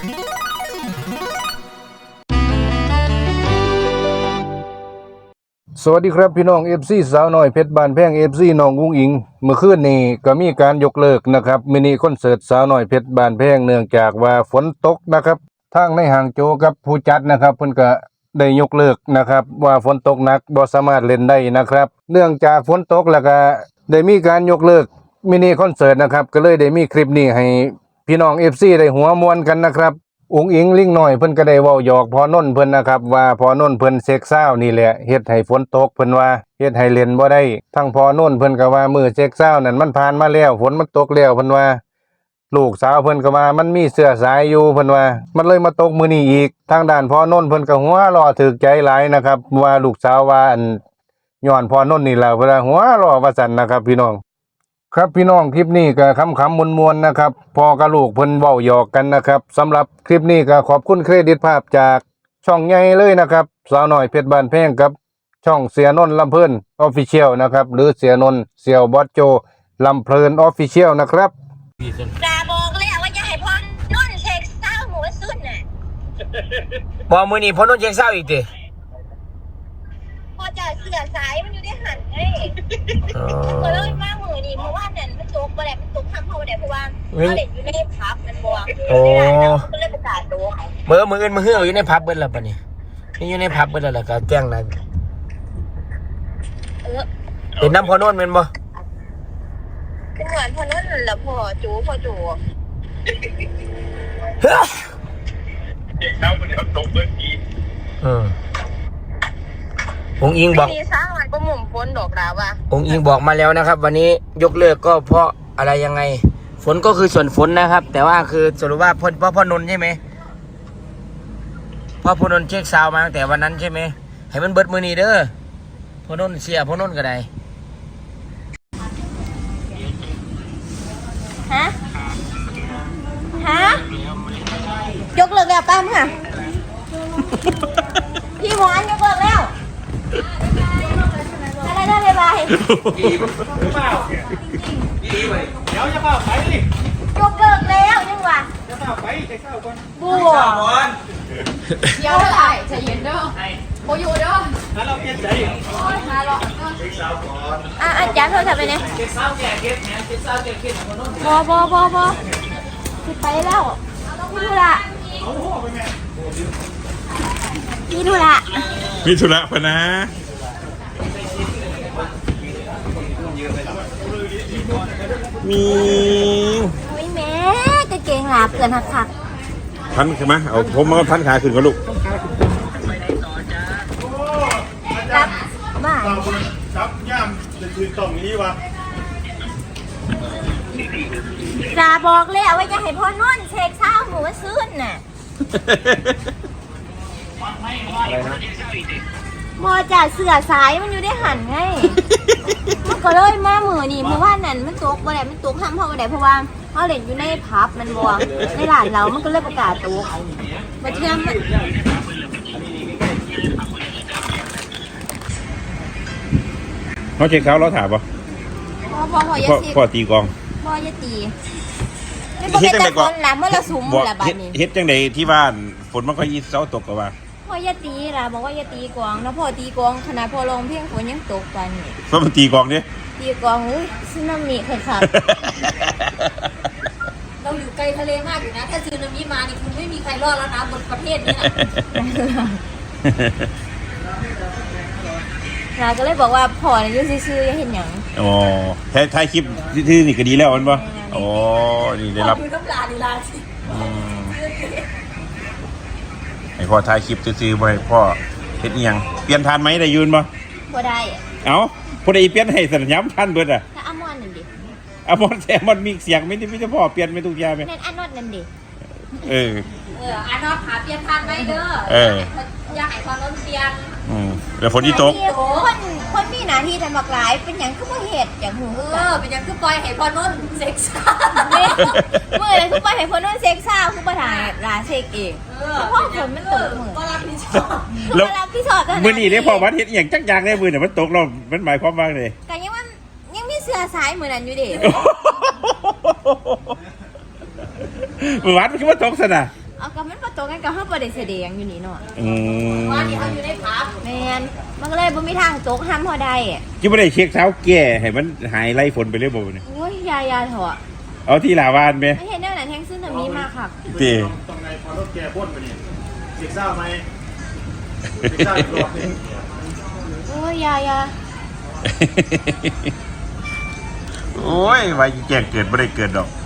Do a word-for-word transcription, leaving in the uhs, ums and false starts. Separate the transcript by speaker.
Speaker 1: สวัสดีครับพี่น้อง เอฟ ซี สาวน้อยเพชรบ้านแพง เอฟ ซี น้องอุ้งอิงเมื่อคืนนี้ก็มีการยกเลิกนะครับมินิคอนเสิร์ตสาวน้อยเพชรบ้านแพงเนื่องจากว่าฝนตกนะครับทางในห่างโจกับผู้จัดนะครับเพิ่นก็ได้ยกเลิกนะครับว่าฝนตกหนักบ่สามารถเล่นได้นะครับเนื่องจากฝนตกแล้วก็ได้มีการยกเลิกมินิคอนเสิร์ตนะครับก็เลยได้มีคลิปนี้ให้พี่น้อง เอฟ ซี ได้หัวมวนกันนะครับอุ้งอิงลิงหน่อยเพิ่นก็ได้เว้าหยอกพอนนท์เพิ่นนะครับว่าพอนนท์เพิ่นเซ็กซาวนี่แหละเฮ็ดให้ฝนตกเพิ่นว่าเฮ็ดให้เล่นบ่ได้ทั้งพอนนท์เพิ่นก็ว่ามื้อเซ็กซาวนั่นมันผ่านมาแล้วฝนมันตกแล้วเพิ่นว่าลูกสาวเพิ่นก็ว่ามันมีเสื้อสายอยู่เพิ่นว่ามันเลยมาตกมื้อนี้อีกทางด้านพอนนท์เพิ่นก็หัวเราะถูกใจหลายนะครับว่าลูกสาวว่าอันย้อนพอนนท์นี่ล่ะเพิ่นว่าหัวเราะว่าซั่นนะครับพี่น้องครับพี่น้องคลิปนี้ก็คำคำมวลมวลนะครับพอกับลูกเพิ่นเว้าหยอกกันนะครับสำหรับคลิปนี้ก็ขอบคุณเครดิตภาพจากช่องใหญ่เลยนะครับสาวน้อยเพชรบ้านแพงกับช่องเสียนนท์ลำเพลินออฟฟิเชียลนะครับหรือเสียนนท์เสี่ยวบอสโจลำเพลินออฟฟิเชียลนะครับ
Speaker 2: จาบอกเลยว่าจะให้พ่อนุ่นเช็คเศร้าหมูสุดน่ะ
Speaker 3: บอมือนี่พ่อนุ่นเช็คเศร้าอีกดิ
Speaker 2: พอจะเสือสายมันอยู่ได้หันไงเออเลยมามือนี่เพราะว่าเนี่ยมันตกไปแหละมันตกทำเขาเนี่ยเพราะว่าเขาเด็กอยู่ในพับมันบวมโอ้ก็เลยประกาศตัว
Speaker 3: เมื่อมืออื่นมือเหื่ออยู่ในพับเบิ้ลแล้วปะนี่นี่อยู่ในพับเบิ้ลแล้วก็แจ้งนะเป็นน้ำพ่อนุ่นเป็นบ่
Speaker 2: เป็นเหมือนพ่อนุ่นแหละพ่อจูพ่อจู
Speaker 3: เฮ้ยเด็กเท้ามันเขาตกเบิ้ลอีกอืมองอิงบอก
Speaker 2: สร้างอะไรก็หมุนฝนดอกดาวว่ะ
Speaker 3: องอิงบอกมาแล้วนะครับวันนี้ยกเลิกก็เพราะอะไรยังไงฝนก็คือส่วนฝนนะครับแต่ว่าคือสรุปว่าพ่อพ่อพ่อนนท์ใช่ไหมพ่อพ่อนนท์เช็คซาวมาตั้งแต่วันนั้นใช่ไหมให้มันเบิดมือนีเด้อพ่อนนท์เสียพ่อนนท์ก็ได้
Speaker 2: ฮะฮะยกเลิกแล้วป้าค่ะพี่หมอนยกเลิกแล้วอะไรได้เลยบายเดี๋ยวจะเปล่าไปดิยกเลิกแล้วยังวะจะเปล่าไปใจเศร้าก่อนบัวเดี๋ยวเท่าไหร่ใจเย็นเด้อโมยูเด้อแล้วเราเปลี่ยนใจมาหรออ่ะอาจารย์เท่าไหร่ไปเนี่ยเจ็ดเศร้าแก่เก็บแหนเจ็ดเศร้าแก่เก็บบอบอบอบอคือไปแล้วพี่ดูละพี่ดูละ
Speaker 4: มีธุระพนะมี
Speaker 2: ไม่แม่กางเกงหลาเกินหักหัก
Speaker 4: พันใช่ไหมเอาผมมาพันขาขึ้นกับลูก
Speaker 2: รับบ้า
Speaker 4: จับย่ามจะคืนตรงนี้วะ
Speaker 2: จะบอกเลยว่าจะให้พ่อนุ่นเช็คเช้าหมูซื้นน่ะมอจ่าเสือสายมันอยู่ได้หันไงมันก็เลยมามือนี่เพราะว่านั่นมันตกบ่ได้มันตกห้ามพ่อบ่ได้เพราะว่าเขาเล่นอยู่ในพับมันบวมในร้านเรามันก็เลยประกาศตกมาเชื่อมมัน
Speaker 4: เขาเช็คเขาเราถามป่ะ
Speaker 2: พ่อพ่อพ่อยาตี
Speaker 4: พ่อตีกอง
Speaker 2: พ่อยาตีไม่เป็นแต่คนละเมื่อเราสูงละบ้านนี้
Speaker 4: เฮ็ดจังใดที่บ้านฝนมันก็ยีเสาตกกับว่า
Speaker 2: พ่อยาตีล่ะบอกว่ายาตีกองแล้วพ่อตีกองขนาดพ่อลงเพียงฝนยังตกไปนี่
Speaker 4: เพราะมันตีกองเนี่ย
Speaker 2: ตีกองอุ้ยซึนามิค่ะค่ะเราอยู่ไกลทะเลมากอยู่นะถ้าซึนามิมานี่คุณไม่มีใครรอดแล้วนะบนประเทศนี้นะเราก็เลยบอกว่าพ่อเนี่ยยุ่งซื่อๆยังเห็นอย่าง
Speaker 4: อ๋อแท้ท้ายคลิปที่นี่ก็ดีแล้วมันป่ะอ๋อนี่ได้รับ
Speaker 2: น้ำลาดีลาสิ
Speaker 4: ให้พ่อถ่ายคลิปซื้อๆบ่ให้พ่อเฮ็ดอีหยังเปลี่ยนทานไหมได้ยืนบ่
Speaker 2: บ่ได้
Speaker 4: เอ้าผู้ใดเปลี่ยนให้สัญญาณทันเบิดอ่ะ
Speaker 2: ถ้าอามอนนั่นดิ
Speaker 4: อามอนแซมอนมีเสียงไม่ได้ไม่ได้พ่อเปลี่ยนไม่ทุกอย่างมั้ย
Speaker 2: นั่นอานอดนั่นดิ
Speaker 4: เออ
Speaker 2: เอออานอดหาเปลี่ยนทานไหมเด้อ
Speaker 4: เออ
Speaker 2: อยากให้ความร้อนเปลี่ยน
Speaker 4: อืมแล้วฝนที่ตก
Speaker 2: คนคนมีหน้าที่ทำบักหลายเป็นหยังคือบ่เฮ็ดอย่างหูเออเป็นหยังคือปล่อยให้พ่อนุ่นเซ็กซ่าเมื่อไรคือปล่อยให้พ่อนุ่นเซ็กซ่าคือบ่ถ่ายลาเซ็กเองเพราะฝนมันตกมือบ่รับผิดชอบบ่รับผิดชอบ
Speaker 4: มื้อนี้เนี่ยพ่อวัดเฮ็ดอีหยังจักอย่างได้มื้อน่ะมันตกแล้วมันหมายความว่าไง
Speaker 2: ก็ยังว่ายังมีเสื้อสายมื้อนั้นอยู่เด้
Speaker 4: มื้อวัดมันคือว่าตกซะน่ะ
Speaker 2: เอากับมันประตูกันกับเฮาบ่ได้แสดงอยู่นี่เนาะ
Speaker 4: อืม
Speaker 2: ว่านี่เฮาอยู่ในผับแม่นมันก็เลยบ่มีทางตกห้ามเฮาได้
Speaker 4: จิบ่ได้เช็คเท้าแก่ให้มันหายไล่ฝนไปเลยบ่เนี่ย
Speaker 2: โอ้ยยายาเถอะ
Speaker 4: เอาที่ลาวานไหม
Speaker 2: ไม่เห็นแนวไหนแทงซึ่งน่ะมีมากค่ะ
Speaker 4: ตี
Speaker 5: ต้องไงพอรถแกพ่นไปนี่เด็กเศร้าไหมเด็กเศร้าอีกรอบหนึง
Speaker 2: โอ้ยยายา
Speaker 4: โอ้ยไว้แก่เกิดบ่ได้เกิดดอก